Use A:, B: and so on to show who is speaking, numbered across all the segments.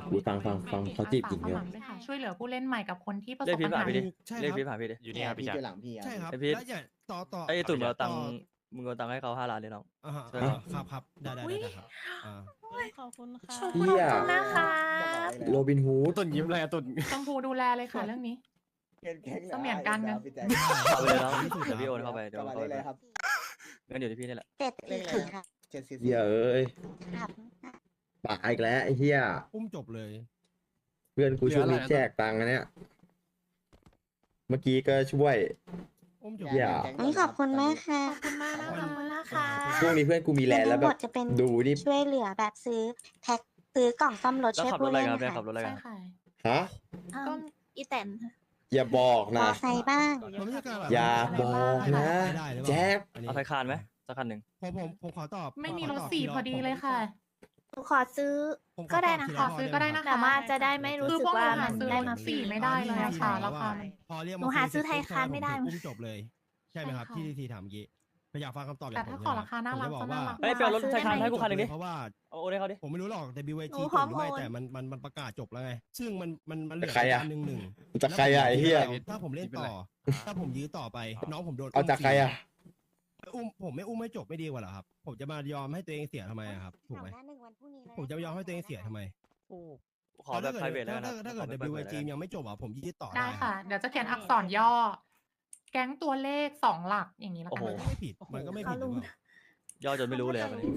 A: ฟังเขาจีบหญิง
B: ส
A: เนี่ย
B: มัครด้วยค่ะช่วยเหลือผู้เล่นใหม่กับคนที่ประ
C: เรี
B: ส
C: ยก
B: บ
C: พี
B: ปั
C: ท
B: ญ
C: ผ่า
B: หาน
C: พี่ดิ
D: ใช่
C: เรียก
D: ครับ
C: พีทผ่านพี่ดิ
E: อยู่นี่ครับพี่
F: พี่
E: แจ็ค
F: อยู่หลังพี่
D: ใช่ครับ
C: ไอ้พีท
D: แล้วอย่าต่อ
C: ไอ้ตุ่น
D: ดี๋
C: เรา
D: ยว
C: ตังค์มึงเอาตังค์ให้เขา5 ล้านเลยน้อง
D: อ่าฮะ
C: ใช่ครับ
D: ครับได้ครับอ่า
G: ขอบคุณค่ะ
A: เหี้ย
B: ขอบคุณนะคะ
A: โรบินฮูด
E: ตุ่นยิ้มเลยอะตุ่น
B: ชมพูดูแลเลยค่ะเรื่องนี้
F: แก๊ง
B: เสมียนกันนะ
F: พี่แจ็ค
C: เอาไปเลยน้อง
D: ที่สุด
C: เดี๋ยวพี่โอนเข้าไปเดี๋ยว
F: กลับ
C: โอน
F: มา
C: เข้า
F: ได้
C: ไป
F: เลยครับ
C: เงินอยู่ที่พี่นี่แหละ
H: 7 4 4ค่ะ
F: 744
A: เหี้ยเอ้ย
H: ครับ
A: ปากอีกแล้วไอ้เหี้ย
D: อุ้มจบเลย
A: เพื่อนกูช่วงนี้
E: เหลืออะไรนะ
A: แจกตังค์อันเนี้ยเมื่อกี้ก็ช่วย
D: อุ้มจบ
A: เหี้ย
H: นี่ขอบคุณมากค่ะ
B: ขอบคุณมากนะคะขอบคุณนะคะ
A: ช่วงนี้เพื่อนกูมีแรงแล้ว
H: ทั้ง
A: แบ
H: หม
A: บ
H: ดจะเป็น
A: ดูนี่
H: ช่วยเหลือแบบซื้อแพ็คซื้อกล่องซ่อมรถ
C: แล้ว
H: ช่วย
C: ขับร
H: ผู้
C: ถอะไร
H: เล่น
C: กันครับเนี่ย
H: ค่ะ
C: ขับรถอะไร
B: ใช่
C: กัน
B: ค่ะ
A: ฮะ
B: ก็
G: อีแตน
A: อย่าบอก
H: ม
A: นะ
H: อไซค์บ้าง
D: มันไม่ใช่การแบบ
A: อย่าบอกนะ
D: ได้หรือเปล่า
A: แจ็ค
D: อันนี้
C: เอาไทยคานไหมสักคันหนึ่ง
D: ผมขอตอบ
B: ไม่มี
D: ข
B: ร
D: อ
B: ถ
D: ตอบ
B: สี่
D: ทีละ
B: พอดีเลยค่ะ
G: หนูขอซื้อ
D: ผมขอ
G: ก็ได้
D: ตอบ
G: นะ
D: ที
G: คะ
D: ข้อ
B: ซื้อก็ได้นะคะ
G: แต่ว่าจะได้ไม่รู้
B: คือ
G: สึ
B: พ
G: ก
B: วกหนู
G: ว่า
B: หา
G: มัน
B: ซื้อ
G: ได้
B: ร
G: มา
B: ถ
G: ฟรี
B: สี่ไม่ได้เลยอะค่ะราคา
D: พอเรียกมา
G: หนูหาซื้อไทยคานไม่ได้
D: ผมอุ้มจบเลย ใช่ไหมครับ
B: ใช่ค่ะ
D: ที่ทีถามเมื่อกี้อยากฟังคำตอบ
B: แต่ถ้าขอราคาน่ารัก
D: ผม
B: ก็
D: จะบอ
B: น่า
D: ว่า
B: รัก
C: เฮ้ยไปเอารถไทยคานให้กูคันหนึ่งดิ
D: เพราะว่า
C: เอาโอนให้เขาดิ
D: ผมไม่รู้หรอก WIG
G: หนู
D: จ
G: พร้อบ ม
D: หรือไม่
G: โอน
D: แต่มันประกาศจบแล้วไง ซึ่งมันเหลื
A: แต่ใครอะ
D: หนึ่ง
A: จากใครอะไอ้เหี้ย
D: ถ้าผมเล่นต่อ ถ้าผมยื้อต่อไปน้องผมโดน
A: เอาจากใครอะ
D: ผมไม่อุ้มให้จบไม่ดีกว่าเหรอครับ ผมจะมายอมให้ตัวเองเสียทำไมอะครับ ถูกไหม
H: หน้าหนึ่งวันพรุ่งนี้เลย
D: ผมจะยอมให้ตัวเองเสียทำไม
C: ขอแบบ private แล้วกันนะ
D: ถ้าเกิด
C: ขอแบบ private
D: WIG ยังไม่จบอ่ะผมยืดต่อ
B: ได้ค่ะ เดี๋ยวจะเขียนอักษรย่อ แก๊งตัวเลข2 หลักอย่างนี้แล้ว
C: โอ้
B: กัน
C: โห
D: มันก็ไม่ผิดมันก็ไม่ผิดหรือเปล่า
C: ย่อจนไม่รู้เลยอะวันนี้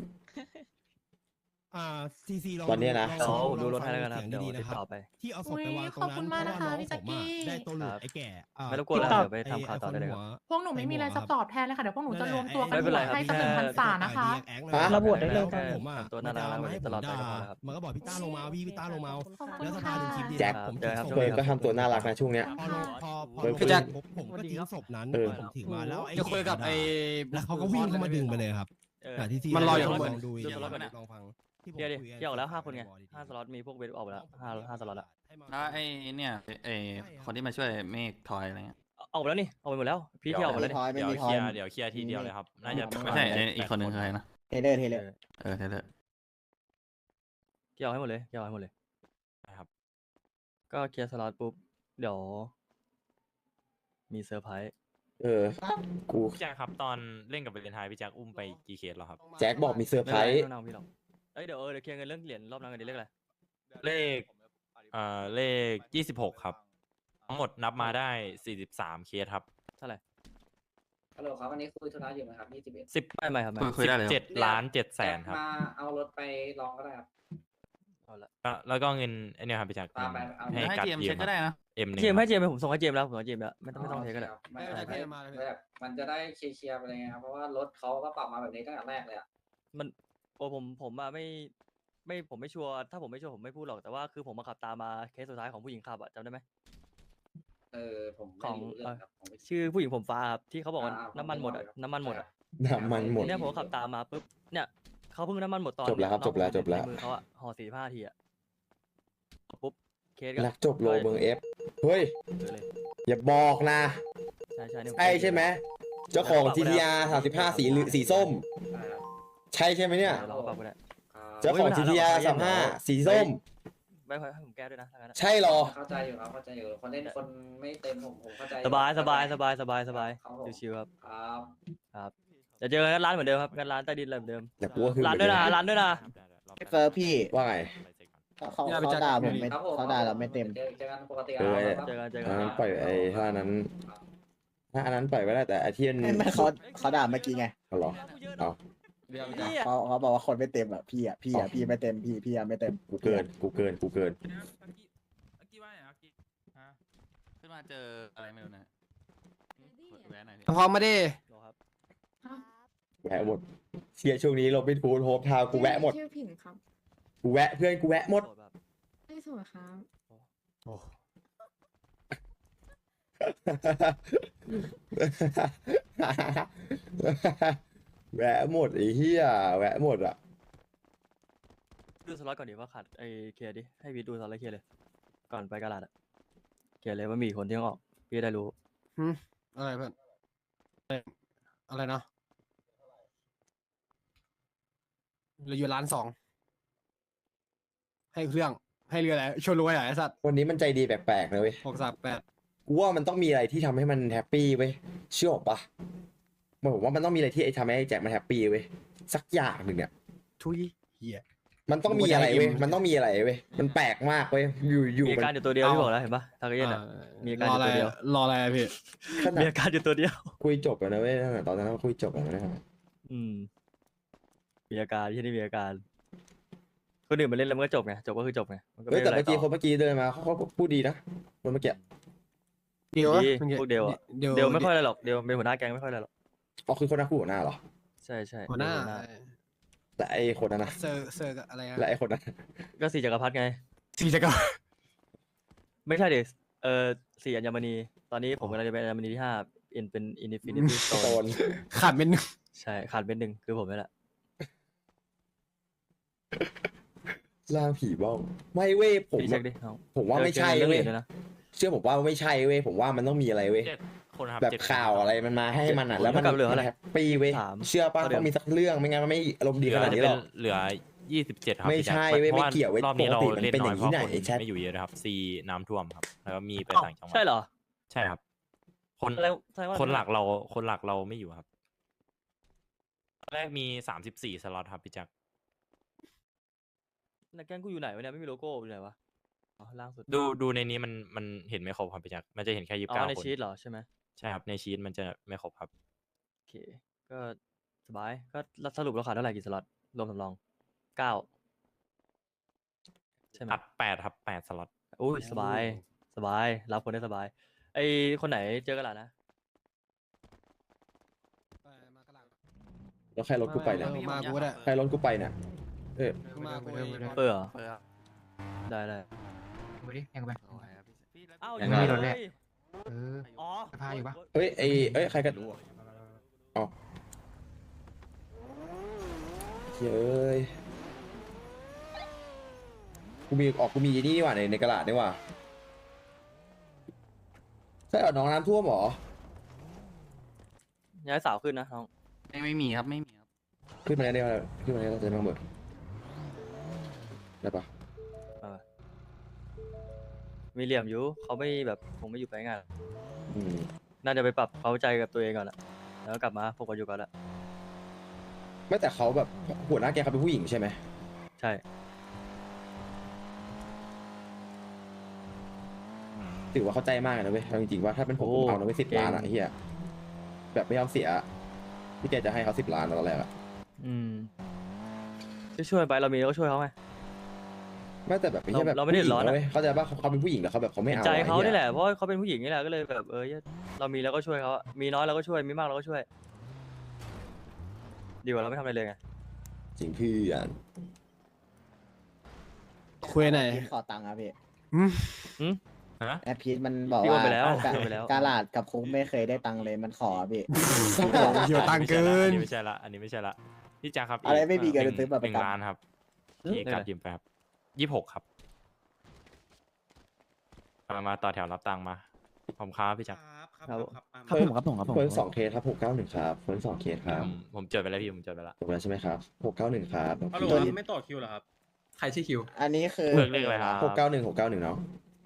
D: ซีลอง
A: วันเนี้ยนะ
C: เดี๋ยวผมดูรถให้แล้วกันครับ
D: เสียง
C: เดี๋ยว
D: ดีๆ
C: ติ
D: นะ
C: ด
D: ครั
C: ต่อบ ไป
D: ที่เอาศพไปวางตรง
B: ขอบคุ
D: นั้
B: ณ
D: น
B: มาก
D: เพราะว่า
B: นะคะ
D: น้อง
B: พี่
D: ผ
B: แจ็ค
D: ม
B: กี้
D: อะได้ตัวหลุด
C: ครับ
D: ไอ้แก่
C: ไม่รบกวนแล้วเดี๋ยวไปทำข่าวต่อได้เลยครับ
B: พวกหนูไม่มีอะไรจะตอบแทนเลยค่ะ เดี๋ยวพวกหนูจะรวมตัวกัน
C: ไม่เป็นไร
B: ให้
C: ครั
B: สั
C: บ
B: ก1,000 ษานะคะ
A: ฮะ
D: ระบวดได้เลย
C: แค่
D: ผมอ่ะ
C: ทำตัวน่ารัก
D: มาให้ผม
C: ตลอดไป
D: ด่า
C: ก็พอแล้วครับ
D: มันก็บอกพี่ต้าลงมาพี่ต้าลงมา
B: ขอบคุณ
D: แล้วส
B: ค่ะ
D: ภาถึงคลิปดี
A: แจ็ค
D: ผม
C: เจ
D: ถื
C: อ
D: อ
C: ครับ
D: ศพ
A: เฟิร์นก็ทำตัวน่ารักนะช่วงเนี้ย
D: พอลงพอ
A: เฟิร์น
D: ลง
E: แจ็ค
D: ผมก็ทิ้งศพนั้น
A: เออ
D: ผมถือมาแล้วไอ้
E: จะคุยกับไอ้
D: แล้วเขาก็วิ่งเข้ามาดึงไปเลยครับ
C: เออ
D: แต่ที่
E: มันรออยู่ข้างบน
D: ลองดูอีก
C: ดูสล็อตก่อน
D: ลองฟังที่ผม
C: เที่ยวดิ
D: คุกัน
C: เที่ยวออกแล้ว5 คนไง
D: บอดีๆ
C: 5 สล็อตมีพวกเวทออกไปแล้ว5สล็อตอะ
I: แล้วไอ้เนี่ยไอ้คนที่มาช่วยเมฆทอยอะไรเงี้ย
C: ออกไปแล้วนี่ออกไปหมดแล้วพี่เที่ยวออกไปแล้วนี่
F: ทอยไม่
E: เดี๋ยว
F: มีท
E: เค
F: อ
E: ลี
F: ย
E: ยร์เดี๋ยวเคลียร์ทีเดียวเลยครับ น่าจะ
I: ไม่ใช่ไอ้อีกคนนึงคือใครนะ
F: เทเลอร์
C: เออ
I: เออเทเลอร์
C: เที่ยวให้หมดเลยเที่ยวให้หมดเลย
E: นะครับ
C: ก็เคลียร์สล็อตปุ๊บเดี๋ยวมีเซอร์ไพรส์
A: เออ กู
E: พี่แจ็คครับตอนเล่นกับเบลเลนไทน์พี่แจ็คอุ้มไปกี่เคสแล้วครับ
A: แจ็คบอกมีเซอร์ไพร
C: ไม่
A: ส์
C: ต้องพี่หรอกเอ้ยเดี๋ยวเดี๋ยวเคลียร์เงินเรื่องเหรียญรอบนั้นกันดีเลขอะไร
E: เลข26ครับทั้งหมดนับมาได้43เคสครับ
C: เท่าไหร่
J: ฮัลโหลครับวันนี้คุยธุระอยู่ไหมครับ21
E: 10
C: ไม่ครับไม่
I: คุยได้เลยครับ
E: 7ล้าน7แสนครับ
J: มาเอารถไปลองก็ได้ครับ
C: เอาละ
E: แล้วก็เงินไอเนี่ยครับพี่แจ็ค
J: ตามไปเอา
E: ให้
I: ให้
E: กัด
I: เทียม
E: ยื
I: เช็
E: ม
I: คก็ได้นะ
E: เอ็มหนึ่ง
C: เจมส์ให้เจมส์ไปผมส่งให้เจมส์แล้วผมให้เจมส์แล้วไม่ต้องเทคก็ได้
J: ไม่
D: ได้
J: ไม่
D: มาเลย
J: แบบมันจะได้เคลียร์ๆไปเลยไงครับเพราะว่ารถเขาก็ปรับมาแบบนี้ตั้งแต่แรกเลยอ่ะ
C: มันโอ้ผมอะไม่ผมไม่ชัวร์ถ้าผมไม่ชัวร์ผมไม่พูดหรอกแต่ว่าคือผมมาขับตามมาเคสสุดท้ายของผู้หญิงขับอะจำได้ไหม
J: ผม
C: ของ
J: ไม่รู้เรื่องครับผมไม่
C: ชื่อผู้หญิงผมฟ้าครับที่เขาบอกว่าน้ำมันหมดอะน้ำมันหมดอะ
A: น้ำมันหมด
C: เนี่ยผมก็ขับตามมาปุ๊บเนี่ยเขาเพิ่งน้ำมันหมดตอน
A: จบแล้วครับ
C: น้อง
A: จบแล้ว
C: ผม
A: จบแล้ว
C: ในมือเขาอะห่อ45 ทีอะปุ๊บเคสก็
A: นักจบโลเมืองเอฟเฮ้ย
C: เลย
A: อย่าบอกนะ
C: ใช่เนี่ย
A: ใช่ใช่ไหม เจ้าของ GTR 35สีส้ม ใช่ใช่ไหมเนี่ย
C: เราก็ปรับก็ได้
A: เจ้าของ GTR 35สีส้ม
C: ไม่ให้ผมแก้ด้วยนะถ้างั้นอะ
A: ใช่เหรอ
J: เข้าใจอยู่ครับเข้าใจอยู่คนเล่นคนไม่เต็มผมเข้าใจ
C: สบาย
J: ครับผม
C: ชิวๆครับ
J: ครับ
C: จะเจอกันร้านเหมือนเดิมครับกันร้านใต้ดินอะไรเหมือนเดิม
A: แต่กูก็คือ
C: ร้านด้วยนะร้านด้วยนะ
F: เฟิร์สพี่
A: ว่าไง
F: เขาด่าผมไม่
J: ครับผม
F: เขาด่าเราไม่เต็ม
J: เจอกันปกติ
A: เออ
J: ครับ
C: เจอกัน
A: อันนั้นปล่อยไอ้ถ้าอันนั้น ถ้าอันนั้นปล่อยไว้ได้แต่ไอ้ที่มัน
F: ไม่เขาด่าเมื่อกี้ไง
A: เอาเหรอเอา
F: เขาบอกว่าคนไม่เต็มอ่ะพี่ไม่เต็มพี่ไม่เต็ม
A: กูเกิน
I: ขึ้นมาเจออะไรไม่รู้นะแวะหน่อยดิ
E: พร้อมมาดิ
C: รอครับ
A: แวะหมดเชียร์ช่วงนี้โรบินฮูดโฮปทาวน์กูแวะหมด
G: ชื่อผิงครับ
A: กูแวะเพื่อนกูแวะหมด
C: โสดแบบ
G: ไม่สวยครับ
A: แวะหมดไอ้เหี้ยแวะหมดอ่ะ
C: ดูสล็อตก่อนดิว่าขาดไอ้เคลียร์ดิให้วีดูสล็อตเคลียร์เลยก่อนไปกาลาดอะเคลียร์เลยว่ามีคนที่ต้องออกพี่จะได้รู้
E: อะไรเพื่อนอะไรนะเหลืออยู่1.2 ล้านให้เครื่อง
D: ให้เรืออะไรชวนรวยอ่ะไอ้สัตว์
A: วันนี้มันใจดีแปลกๆนะเว้ย
D: 638
A: กูว่ามันต้องมีอะไรที่ทำให้มันแฮปปี้เว้ยเชื่อปะผมว่ามันต้องมีอะไรที่ทำให้ไอ้แจ็คมันแฮปปี้เว้ยสักอย่างหนึ่งเนี่ย
D: ทุยเหี้ย
A: มันต้องมีอะไรเว้ย
D: กูจะให้
A: มันต้องมีอะไรเว้ยมันแปลกมากเว้ยอยู่
C: มีอาการอยู่ตัวเดียวที่บอกแล้วเห็นปะทากาเย็นอ่ะ มีอาการอยู่ตัวเดียว
D: รออะไรอะพี่
A: ขนา
C: มี
A: ด
C: อาการอยู่ตัวเดียว
A: คุยจบแล้วนะเว้ยตอนนั้นเราคุยจบแล้วนะ
C: อืม มีอาการที่นี่มีอาการคนอื่นมาเล่นแล้วมันก็จบไงจบก็คือจบไงมันก็
A: เฮ้
C: ไม่
A: ยแต่
C: เป็นไร
A: เมื่อกี้
C: ต่อ
A: คนเมื่อกี้เดินมาเขาพูดดีนะคนเมื่อกี้
D: เดียว
C: ดีพวกเดียวอะ เดี๋ยวไม่ค่อยอะไรหรอกเดี๋ยวเป็นหัวหน้าแก๊งไม่ค่อยอะไรหรอก
A: อ๋อคือคนนั้นคู่หัวหน้าเหรอ
C: ใช่ใช่
D: หัวหน้า
A: แต่ไอ้คนนั้นนะ
D: เซอร์กับอะไรอะ
A: และไอ้คนนั้น
C: ก็สี่จักรพรรดิไง
D: สีจักร
C: ไม่ใช่เด็กสี่อัญมณี ตอนนี้ผมกำลังจะเป็นอัญมณีที่ห้าเป็นอินฟินิตี้ส
A: โด
C: โต
A: น
C: น
D: ขาดเป็นหนึ่ง
C: ใช่ขาดเป็นหนึ่งคือผมนี่แหละ
A: ล่างผีบ้องไม่เว้ยผม
C: พี่เช็คดิน้อง
A: ผมว่าไม่ใช่
C: เจอ
A: เว้
C: เรื่
A: ย
C: องอื่นด้วยนะ
A: เชื่อผมว่าไม่ใช่เว้ยผมว่ามันต้องมีอะไรเว้ย
E: 7 คนครับ
A: แบบ
E: 7
A: ข่าวอะไรมันมาให้มันอ่ะแล้วมัน
C: เท่ากับเหลืออะไร
A: แฮปปี้เว้ย
C: สาม
A: เชื่อป่ะ
C: เท่าเดิม
A: ต้องมีสักเรื่องไม่งั้นมันไม่อารมณ์ดีขนาดนี้หรอก
E: เหลือ 27 ครับ
A: ไม่
E: พี่แจ็ค
A: ใช่เว้ย
E: พราะ
A: ไม่เกี่ยวเว้ย
E: รอบนี้เรา
A: ปกติมัน
E: เล่น
A: เป็น
E: น้
A: อ
E: อย
A: ย่าง
E: เพ
A: นี้
E: ราะ
A: ไหน
E: คน
A: แชท
E: ไม่อยู่เยอะนะครับซีน้ำท่วมครับ แล้วก็มีไปต่างจังหวัด
C: ใช่เหรอ
E: ใช่ครับ
C: แล้วแสดงว่า
E: คนหลักเราไม่อยู่ครับตอนแรกมี34 สล็อตครับพี่แจ็ค
C: แล้วแก๊งกูอยู่ไหนวะเนี่ยไม่มีโลโก้อยู่ไหนวะอ๋อล่างสุด
E: ดูในนี้มันเห็นไม่ครบครับพี่แจ็คมันจะเห็นแค่
C: อ๋อใน
E: 29 คน
C: ชีตเหรอใช่ไหม
E: ใช่ครับในชีตมันจะไม่ครบครับ
C: โอเค ก็สบายก็สรุปเราขาดเท่าไหร่กี่สล็อตรวมสำรองเก้าใช่ไหม
E: อัด8ครับ8 สล็อต
C: อุ้ยสบายสบายรับคนได้สบาย ไอคนไหนเจอกันหล่ะนะ
A: แล้วใครรถกูไปเนี่ย
D: มากูก็ได้
A: ใครรถกูไปเนี่ยเออ
D: มากู
C: เปิดเหรอได้ได้
B: ดูดิยังไป
C: อ้าว
B: ยังไม่มีรถแรก
C: เฮ้ย
B: เออ
C: อ๋อ
B: สภาพอยู่ปะ
A: เอ้ยเอ้ยใครกันอ๋อเฮ้ยกูมีนี่นี่หว่าในกระดาษนี่หว่าใช่เหรอน้องน้ำท่วมเหรอ
C: ย้ายสาวขึ้นนะน้อง
I: ไม่มีครับไม่มีครับ
A: ขึ้นมาได้ไหมขึ้นมาได้จะมาเบิกได้ปะ
C: มีเหลี่ยมอยู่เขาไม่แบบคงไม่อยู่ไปง่ายหรอก
A: อืม
C: น่าจะไปปรับเขาใจกับตัวเองก่อนแหละแล้วก็กลับมาพวกกันอยู่ก่อนละ
A: ไม่แต่เขาแบบหัวหน้าแกเขาเป็นผู้หญิงใช่ไหม
C: ใช่
A: ถือว่าเข้าใจมากนะเว้ยเอาจริงๆว่าถ้าเป็นผมเอานะเว้ย10 ล้านอ่ะไอ้เฮียแบบไม่ยอมเสียที่แกจะให้เขา10 ล้านตอนแรกอะ
C: อืมช่วยไปเรามีเราก็ช่วยเขาไง
A: ไม่แต่แบบไม่ใช่แบบ
C: เราไม่ได้เดือดร้อนอะ
A: เว้ยเข้าใจป่ะเขาเป็นผู้หญิงแต่เขาแบบเขาไม่เอา
C: ใจเขา
A: ไอ้หี้ย
C: นี่แหละเพราะว่าเขาเป็นผู้หญิงนี่แหละก็เลยแบบเรามีแล้วก็ช่วยเขาอะมีน้อยเราก็ช่วยมีมากเราก็ช่วย ดีกว่าเราไม่ทำอะไรเลยไง
A: จริงเพื่อน
D: คุยไหนอย
F: พีทขอตังค์ครับพี่
E: ฮะ
F: แอดพีทมันบอก
C: พี่โอน
F: ว่า
C: ไปแล้ว
F: กะ
C: พี่โอนไปแล้ว
F: กาลาดกับคุกไม่เคยได้ตังค์เลยมันขอพี่
D: เหี่ยวตังค์เกิน
E: อันนี้ไม่ใช่ละอันนี้ไม่ใช่ละพี่แจ็คครับ
F: อะไรไม่มีเงิน
E: หนึ่ง
F: ซื้อบัตรประ
E: หนึ่ง
F: กัน
E: ล้านครับที่เอกการยืมไปครับ26 ครับมาต่อแถวรับตังค์มาผมครับพี่แจ็ค
C: ครับ
A: เพิ่มเพิ่ม2 เคสครับ691ครับเพิ่ม2 เคสครับ
E: ผมจดไปแล้วพี่ผมจดไปแล้ว
A: ถูกแล้วใช่ไหมครับ691ครับ
F: ตัวนี้
J: ไม่ต่อคิวเหรอครับ
K: ใครชื่อคิว
F: อันนี้คือ
E: เลือกเลขอะไรครับ
A: 691เนาะ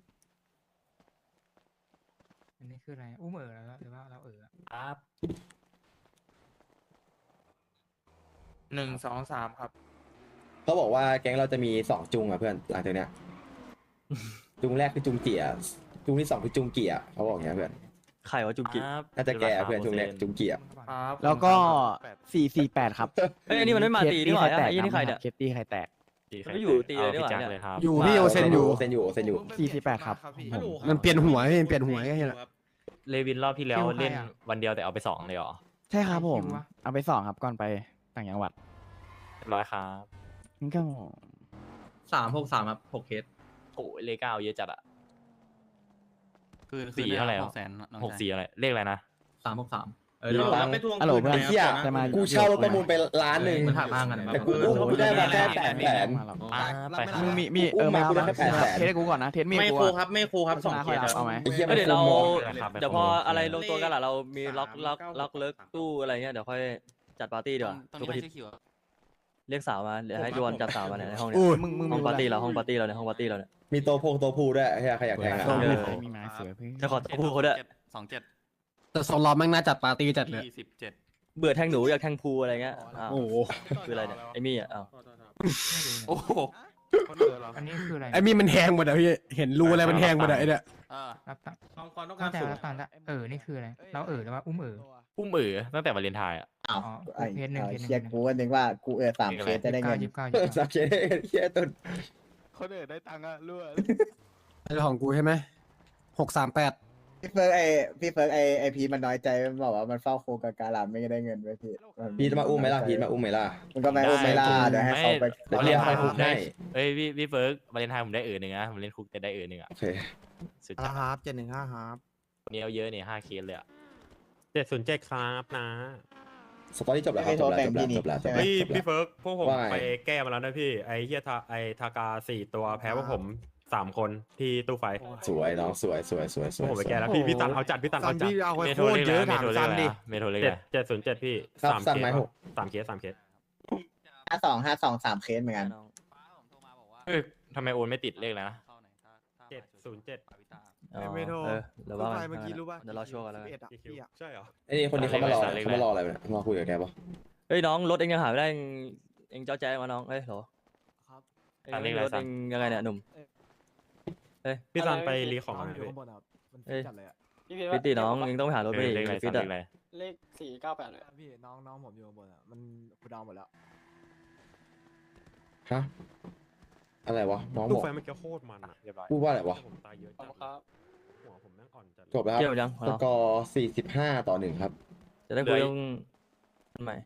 B: อันนี้คืออะไรอุ้มแล้วหรือว่าเรา
E: ครับ
K: 1 2 3 ครับ
A: เขาบอกว่าแก๊งเราจะมี2 จุงอ่ะเพื่อนหลังจากเนี้ยจุงแรกคือจุงเกียร์จุงที่2คือจุงเกียร์เขาบอกอย่างเงี้ยเพื่อน
C: ไข่ว่าจุกิ
E: ครับ
A: น่าจะแกเพื่อนจุงแรกจุงเกียร์
K: ครับ
L: แล้วก็448 ครับ
C: เฮ้ยอันนี้มันไม่มาตีนี่หว่าไอ้ยี่นี่ใครเนี่ย
L: เคสตี้ใครแตก
C: มันไม่อยู่ตีเลยนี่หว่า
E: พี่แจ็ค
C: เนี่ย
E: เลยครับ
D: อยู่พี่โอเซนอยู่
A: เซนอยู่
L: 48 ครับ
D: มันเปลี่ยนหัวพี่มันเปลี่ยนหัวแค่นี้แหละ
E: เลวินรอบที่แล้วเล่นวันเดียวแต่เอาไป2เลยเหรอ
L: ใช่ครับผม เอาไป2ครับก่อนไปต่างจังหวัด
E: เรียบร้อยครับ
L: นี่ก็
K: 363 ครับ 6 เคส
E: โอ้ยเลข9เยอะจัดอะ
I: คือ
E: สี่เท่าไหร่
I: 6แสน
E: 64อะไรเลขอะไรนะ
K: 363
A: เดี๋ยว
K: เราไปทวง
L: ฮัลโหล
K: คืน
L: เพื่อน
A: เฮีย
L: จะมา
A: กูเช่ารถประมูลไปล้านหนึ่ง
K: มันหักมากกัน
A: แต่กูได้มาแค่800,000
E: ไปครับ
L: มึงมี
A: อุ้มมา
L: มา
A: กูได้
L: มา
A: แค่800,000
L: เทสให้กูก่อนนะ เทสมี
K: ไม่
L: กู
K: ครู
L: อะ
K: ครับไม่ครูครับ
L: ชนะ
K: 2 เค
L: ค่อย
K: ส
L: เอาไหม
A: ไอ้เหี้ย
C: เดี๋ยวเรา
E: ครับ
C: เดี๋ยวพออะไรลงตัวกันหล่ะเรามีล็อกเลิกตู้อะไรเงี้ยเดี๋ยวค่อยจัดปาร์ตี้ดีกว่า
I: ตรง
C: ทุก
I: นี้
C: อา
I: ใคร
C: ทิตย์
I: ชื่อคิวอะ
C: เรียกสาวมาเดี๋ยวให้จวนจับสาวมาเนี่ยในห้องเนี่ย
D: อุ้ย
L: มึง
C: ห้อง
L: รู้
C: ปาร์ตี้
L: แห
C: เรา
L: ละ
C: ห้องปาร์ตี้เราเนี่ยห้องปาร์ตี้เราเนี่ย
A: มีโตพูด้วยใครอยากแทงอะ
L: ส้ม
C: เออ
L: มีไม้เสือเพื่อน
C: จะขอตัวพูดเขาด้วย
I: 27
D: แต่โซลอมแม่งน่าจัดปาร์ตี้จัดเลย
I: 27
C: เบื่อแทงหนูอยากแทงพูอะไรเงี้ยอ้าว
D: โอ้โห
C: คืออะไรเนี่ยไอ้มี่อ่ะอ้าว
I: โอ้โห
B: อันนี้คืออะไร
D: ไอ้มีมันแหงหมดอะพี่เห็นรูอะไรมันแหงหมดอะไอ้เนี่ย
B: รับตังค์
E: ความต้อง
B: เข้า
E: การ
B: ใจ
E: สูง
B: รับตังค์ละนี่คืออะไรเราหรือว่าอุ้ม
E: อุ้มตั้งแต่วาเลนไทน์อ่ะ
F: อ้าว
B: อ๋อ
F: ไอ้
B: เคสหนึ่ง
F: เอา
B: เคสหนึ่ง
F: เชียร์กูก็นึกว่ากู3 เคสจะได้เงิน
B: ยี่สิบเก้า
A: สักเคสเฮียตุน
L: คนอื่นได้ตังค์อะรั่ว
D: ไอ้ของกูใช่ไหม638
F: พี่เฟิร์กไอพีมันน้อยใจมันบอกว่ามันเฝ้าโคกบการามไม่ได้เงินไว้พี่
A: พีทมาอุ้มไหมล่ะพีทมาอุ้มไหมล่ะ
F: มันก็ไม่อุ้มไม่ล่าเดี๋ยวให้เขาไป
A: เดี๋ยว
E: วาเลนไทน์
A: เรียก
E: ผมได้
A: ให้
E: เอ้ยพี่เฟิร์กวาเลนไทน์ผมได้หนึ่งนะผมเล่นคุกแต่ได้หนึ่งอ่ะ
A: โอเค
E: สุดจัด
D: ครับ715ครับ
E: วันนี้เอาเยอะเนี่ย5 เคสเลยอ่ะ707ครับนะ
A: สตอรี่จบแล้วครับจบแล้ว
F: ใช่ไหม
E: พี่เฟิร์กพวกผม
A: ว่าไง
E: ไปแก้มาแล้วนะพี่ไอ้เฮียทากา4 ตัวแพ้พวกผม3 คนที่ตู้ไฟ
A: สวยน้องสวย
E: พวกผมไปแก้แล้วพี่ตันเอาจัดพี่ตันเอาจัด
D: เมโทรเยอะถามซันดิ
E: เมโทรเลย707พี่
A: ครับ
E: 3
A: สั่ง
E: เค
A: ไหม
E: ส
A: หก
E: 3 เคส3 เคส
F: 52 3 เคสเหมือนกัน
C: น้อง
E: เอ้ยทำไมโอนไม่ติดเลขแล้วนะ707
C: อ๋อ
L: ไม่โทร
C: เดี๋ยวว่ากัน
L: เมื่อกี้รู้ป่ะ
C: เดี๋ยวรอช่วงกันแล้วกัน
E: ใช่เหรอ
A: ไอ้นี่คนนี้เขามารออะไรเนี่ยมาคุยกับแกปะ
C: เฮ้ยน้องรถเองยังหาไม่ได้เองเจ้าแจ๊มาน้องเฮ้ยเหรอ
L: ครับ
C: เองรถเองยังไงเนี่ยหนุ่ม
E: พี่ตันไปรีของอะไร
L: อยู่
E: พี่
L: ข้างบนครับมัน
C: เอ้ย
L: จัดเลยอะ
C: ฟิตดิน้องเองต้องไปหารถไปดิ
E: เลขอะไร
C: ฟิต
E: เล
C: อะ
E: ขอะไร
J: เลข498เลย
L: พี่น้องผมอยู่ข้างบนอะมันกูดาวหมดแล้ว
A: ฮะอะไรวะน้องบ
E: ตู้
A: อก
E: ไฟเมื่อกี้โคตรมันอะเรียบร้อย
A: พูดว่าอะไรวะ
E: ผมตายเยอะจัดหัวผมแม่งอ่อนจัด
A: จบแล้วค
C: เกี่ยว
A: รับ
C: ยัง
A: สกอร์45-1ครับ
C: จะได้คุยเรื่องคนใหม่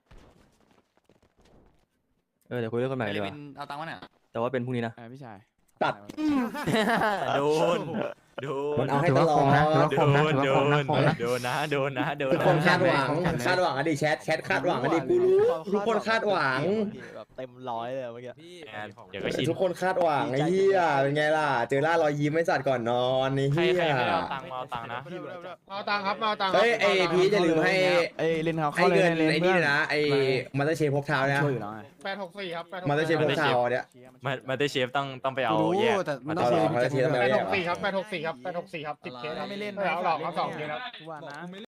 C: เดี๋ยวคุยเรื่องคนใหม่ดีกว่า
I: เอาตังค์มาเนี่ย
C: แต่ว่าเป็นพรุ่งนี้นะ
L: พี่ชาย
A: ตัด
E: โดน
A: มันเอาให้ตลอด
E: โดนนะ
A: ทุกคนคาดหวังอดีแชทคาดหวังอดีกูรู้ทุกคนคาดหวัง
L: แบบเต็มร้อยเลยเมื่อกี้
E: เดี๋ยวก็ชิน
A: ทุกคนคาดหวังไอ้เหี้ยเป็นไงล่ะเจอล่ารอยยิ้มไม่สัตว์ก่อนนอนไอ้
E: ใคร
A: เหี้ย
E: ไม่เอาตังค์มาเอาตังค์นะ
J: เอาตังค์ครับเอาตังค์
A: เฮ้ยไอพีจะลืมให้
L: เอ้ยเล่นเขา
A: ให้
L: เข้าเลย
A: เงิน
L: เล่น
A: ไอ้
L: เพื่
A: นี่
L: อน
A: นะไอมาสเตอร์เชฟพกเท้านะ
L: ช่วยอยู่แล้วไง
J: 864ครับ
A: มาสเตอร์เชฟพกเท้าเนี่ย
E: มาเตอร์เชฟต้องไปเอา
D: รู้
E: แยก
D: แต่มัน
A: เอา
D: ต้อง
A: เหรอมาสเตอร์เชฟต้องไปเอาแยกเหรอ
J: 864ครับ864ครับ10 เคส
L: ไม่เล่น
J: เอาหลอกเอา2 เคสครับ
L: กูว่านะ